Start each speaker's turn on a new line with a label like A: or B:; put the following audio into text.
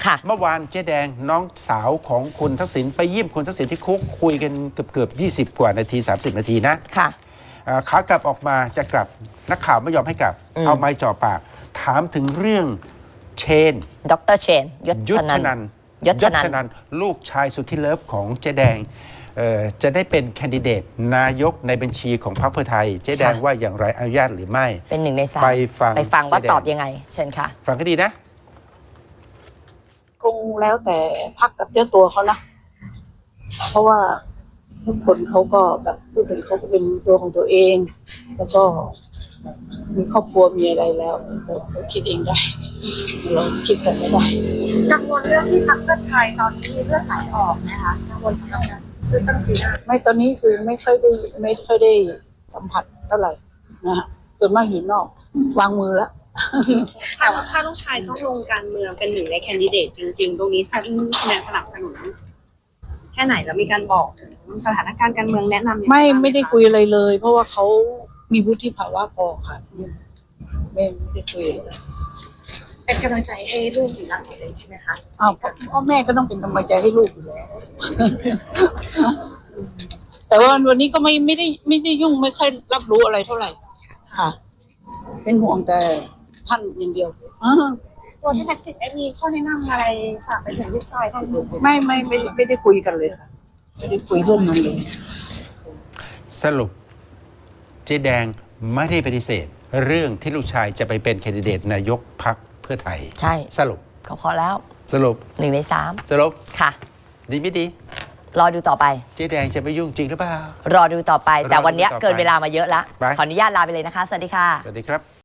A: เมื่อวานเจ๊แดงน้องสาวของคุณทักษิณไปเยี่ยมคุณทักษิณที่คุกคุยกันเกือบ20 กว่านาที30 นาทีนะ
B: ค่ะ
A: ขากลับออกมาจะกลับนักข่าวไม่ยอมให้กลับเอาไม้จ่อปากถามถึงเรื่องเชน
B: ดร.เชนยศนัน
A: ยศนันลูกชายสุดที่เลิฟของเจ๊แดงจะได้เป็นแคนดิเดตนายกในบัญชีของพรรคเพื่อไทยเจ๊แดงว่าอย่างไรอนุญาตหรือไม่
B: เป็น1 ใน 3
A: ไปฟัง
B: ว่าตอบยังไงเชิญค่ะ
A: ฟังก็ดีนะ
C: คงแล้วแต่พรรคกับเจ้าตัวเขานะเพราะว่าทุกคนเขาก็แบบพูดถึงเขาก็เป็นตัวของตัวเองแล้วก็มีครอบครัวมีอะไรแล้วเขาคิดเองได้เราคิดกันไม่ได้
D: กังวลเรื่องที่พรรคเพื่อไทยตอนนี้มีเลือดไหลออกนะคะกังวลสำหรับการเลือกตั้งปีหน้า
C: ไม่ตอนนี้คือไม่ค่อยได้สัมผัสเท่าไหร่นะฮะส่วนมากอยู่นอกวางมือแล้ว
D: แต่ว่าถ้าลูกชายเข้าลงการเมืองเป็น1 ในแคนดิเดตจริงๆตรงนี้ท่านแนวสนับสนุนแค่ไหนแล้วมีการบอกถึงสถานการณ์การเมืองแนะนำ
C: ไม่ได้คุยอะไรเลยเพราะว่าเขามีวุฒิภาวะพอค่ะไม่ได้คุย
D: เป็นกำลังใจให้ลูกอยู่หลังเลยใช่ไหมคะ
C: อ้าวพ่อแม่ก็ต้องเป็นกำลังใจให้ลูกอยู่แล้วแต่ว่าวันนี้ก็ไม่ได้ยุ่งไม่ค่อยรับรู้อะไรเท่าไหร่ค่ะเป็นห่วงแต่ท่านอย่างเดียว
D: ตัวที่แท็กซี่มีข้อแนะนำอะไรฝากไปถึงลูกชายท่าน
C: ไม่ได้คุยกันเลยค่ะไม่ได้คุยเรื่องนั้นเลย
A: สรุปเจ๊แดงไม่ได้ปฏิเสธเรื่องที่ลูกชายจะไปเป็นแคนดิเดตนายกพรรคเพื่อไทย
B: ใช่
A: สรุป
B: เขาขอแล้ว
A: สรุป
B: 1 ใน 3
A: สรุป
B: ค่ะ
A: ดีไม่ดี
B: รอดูต่อไป
A: เจ๊แดงจะไม่ยุ่งจริงหรือเปล่า
B: รอดูต่อไปแต่วันนี้เกินเวลามาเยอะแล้วขออนุญาตลาไปเลยนะคะสวัสดีค่ะ
A: สวัสดีครับ